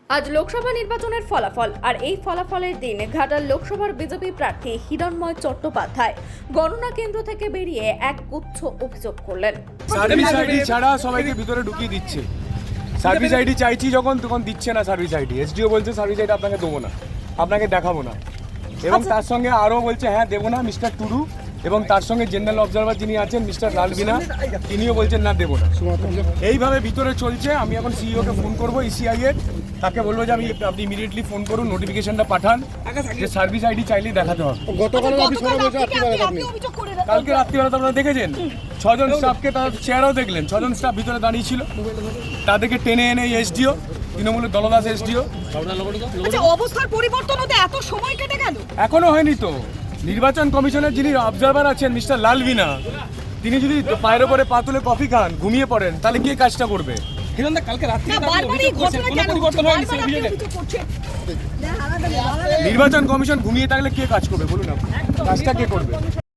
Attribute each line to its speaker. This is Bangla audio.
Speaker 1: আজ লোকসভা নির্বাচনের ফলাফল আর এই ফলাফলের দিন ঘাটাল লোকসভার বিজেপি প্রার্থী হিরণময় চট্টোপাধ্যায় গণনা কেন্দ্র থেকে বেরিয়ে এক গুচ্ছ অভিযোগ করলেন।
Speaker 2: সার্ভিস আইডি ছাড়া সবাইকে ভিতরে ঢুকিয়ে দিচ্ছে। সার্ভিস আইডি চাইছি যখন তখন দিচ্ছে না সার্ভিস আইডি। এসডিও বলছে সার্ভিস আইডি আপনাকে দেবো না, আপনাকে দেখাবো না, এবং তার সঙ্গে আরও বলছে হ্যাঁ দেবো না মিস্টার টুডু, এবং তার সঙ্গে জেনারেল অবজারভার যিনি আছেন মিস্টার লালবিনা তিনিও বলছেন না দেবো না। এইভাবে ভিতরে চলছে। আমি এখন সিইওকে ফোন করবো ইসিআই এর, তাকে বলবো যে আপনি ইমিডিয়েটলি ফোন করুন, নোটিফিকেশনটা পাঠান যে সার্ভিস আইডি চাইলেই দেখাতে হবে। কালকে রাত্রিবেলা তো আপনারা দেখেছেন 6 জন স্টাফকে, তার চেয়ারও দেখলেন, 6 জন স্টাফ ভিতরে দাঁড়িয়ে ছিল, তাদেরকে টেনে এনে এসডিও তৃণমূলের দলদাস এসডিও।
Speaker 3: অবস্থার পরিবর্তন হতে এত সময় কেটে গেল,
Speaker 2: এখনো হয়নি তো। নির্বাচন কমিশনের যিনি অবজারভার আছেন মিস্টার লালবিনা, তিনি যদি পায়ের ওপরে পা তুলে কফি খান, ঘুমিয়ে পড়েন, তাহলে কে কাজটা করবে? নির্বাচন কমিশন ঘুমিয়ে থাকলে কে কাজ করবে বলুন, কাজটা কে করবে?